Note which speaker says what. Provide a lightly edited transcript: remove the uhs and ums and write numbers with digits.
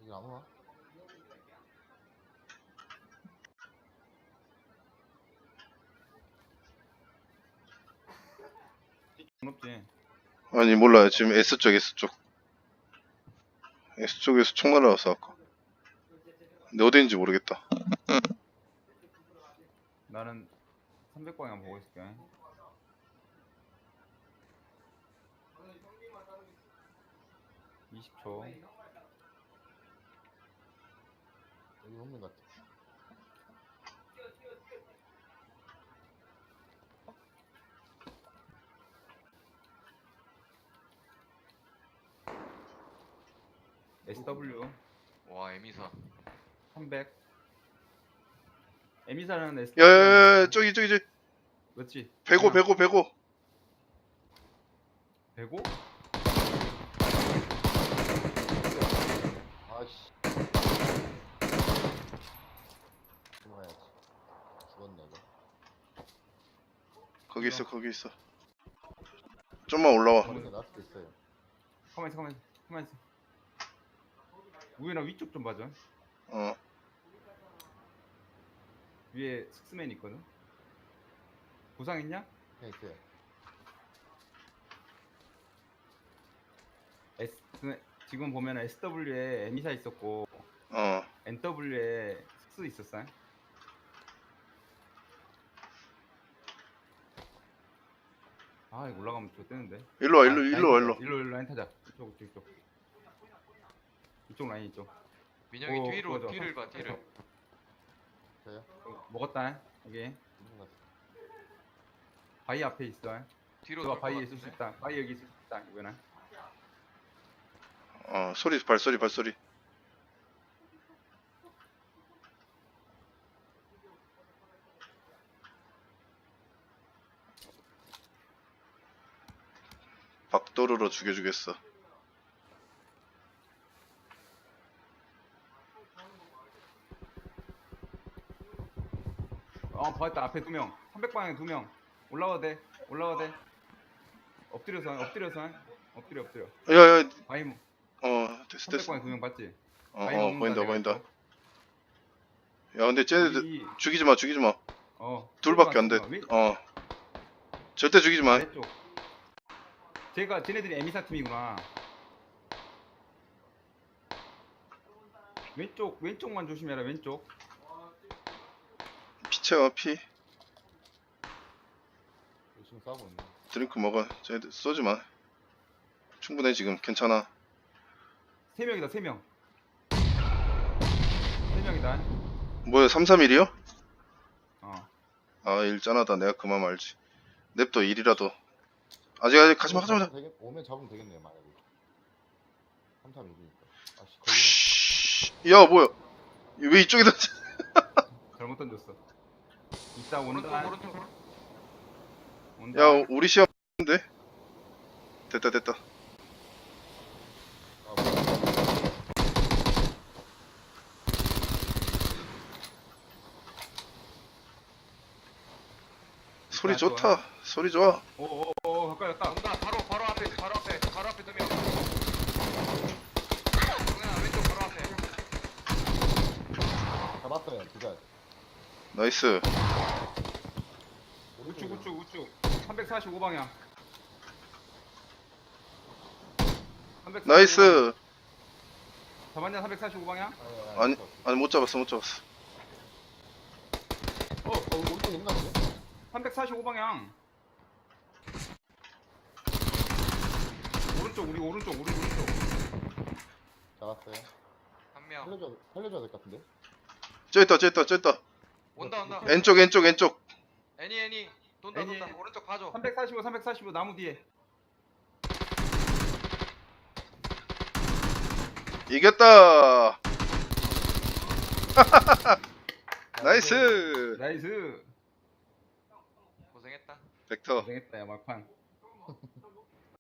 Speaker 1: 여기 안 오나?
Speaker 2: 없지.
Speaker 3: 아니 몰라요. 지금 S쪽 S쪽에서 총 날아왔어 아까. 근데 어디인지 모르겠다.
Speaker 2: 나는 300방향 보고 있을게. (20초)
Speaker 1: 여기 없는 것 같아.
Speaker 2: SW
Speaker 4: 와 에미사
Speaker 2: 300. 에미사는 SW
Speaker 3: 야야야 저기
Speaker 2: 맞지?
Speaker 3: 105
Speaker 2: 105?
Speaker 1: 아씨. 죽어야지. 죽었네 이거.
Speaker 3: 거기 있어. 좀만 올라와.
Speaker 1: 저렇게 날 수도 있어요.
Speaker 2: 가만히 있어. 우연아 위쪽 좀 봐줘.
Speaker 3: 어
Speaker 2: 위에 스크맨 있거든. 부상했냐?
Speaker 1: 그냥 있어요.
Speaker 2: 지금 보면 SW에 에미사 있었고
Speaker 3: 어.
Speaker 2: NW에 스크 있었어. 아 이거 올라가면 좋대는데.
Speaker 3: 일로 와.
Speaker 2: 일로 라인 타자. 이쪽 라인 이쪽.
Speaker 4: 민영이
Speaker 2: 오,
Speaker 4: 뒤로
Speaker 2: 좋아.
Speaker 4: 뒤를 봐 뒤를
Speaker 1: 저요?
Speaker 2: 먹었다. 여기
Speaker 1: 있는 것 같아.
Speaker 2: 바위 앞에 있어.
Speaker 4: 뒤로
Speaker 2: 너가
Speaker 4: 돌
Speaker 2: 바위에
Speaker 4: 것
Speaker 2: 있을 수
Speaker 4: 같은데?
Speaker 2: 있다. 바위 여기 있을 수 있다. 이거는.
Speaker 3: 발소리. 박도르로 죽여주겠어.
Speaker 2: 봤다. 앞에 2명. 300방향 2명. 올라와도 돼. 엎드려.
Speaker 3: 야야
Speaker 2: 바위
Speaker 3: 됐어.
Speaker 2: 300방향 2명 봤지? 바위 먹는다, 내가
Speaker 3: 보인다.
Speaker 2: 이거.
Speaker 3: 야 근데 쟤네들
Speaker 2: 여기,
Speaker 3: 죽이지 마. 둘밖에 안 돼.
Speaker 2: 왼-
Speaker 3: 절대 죽이지 마.
Speaker 2: 아래쪽. 쟤네들이 에미사 팀이구나. 왼쪽만 조심해라. 왼쪽.
Speaker 3: 피 채워 피.
Speaker 1: 열심히 싸우고 있네.
Speaker 3: 드링크 먹어. 쟤네들 쏘지 마. 충분해 지금. 괜찮아.
Speaker 2: 3명이다. 3명. 3명이다.
Speaker 3: 뭐야 331이요?
Speaker 2: 어.
Speaker 3: 아 일짠하다. 내가 그만 말지. 냅둬 일이라도. 아직 가지마.
Speaker 1: 오면 잡으면 되겠네요 만약에. 331이니까. 아씨 걸리네.
Speaker 3: 씨, 야 뭐야? 왜 이쪽에다?
Speaker 2: 잘못 던졌어. 이따 온다.
Speaker 4: 오른쪽
Speaker 2: 온다.
Speaker 3: 야 우리 시험인데? 됐다.
Speaker 1: 아 뭐야.
Speaker 3: 소리 좋다. 소리 좋아.
Speaker 2: 오, 가까이 왔다.
Speaker 4: 온다 바로 앞에 2명 동현아 왼쪽 바로 앞에
Speaker 1: 잡았어요. 두자.
Speaker 3: 나이스.
Speaker 2: 우측. 345방향.
Speaker 3: 나이스.
Speaker 2: 잡았냐? 345방향?
Speaker 3: 아니 못 잡았어.
Speaker 1: 오른쪽에 있나 보네.
Speaker 2: 345방향. 우리 오른쪽.
Speaker 1: 잡았어요.
Speaker 4: 한명
Speaker 1: 살려줘야 될 것 같은데.
Speaker 3: 저 있다.
Speaker 4: 온다
Speaker 3: 왼쪽.
Speaker 4: 애니 돈다
Speaker 2: 애니.
Speaker 4: 오른쪽 봐줘
Speaker 2: 345 나무 뒤에.
Speaker 3: 이겼다. 나이스.
Speaker 2: 나이스.
Speaker 4: 고생했다
Speaker 3: 벡터.
Speaker 2: 고생했다 야 막판.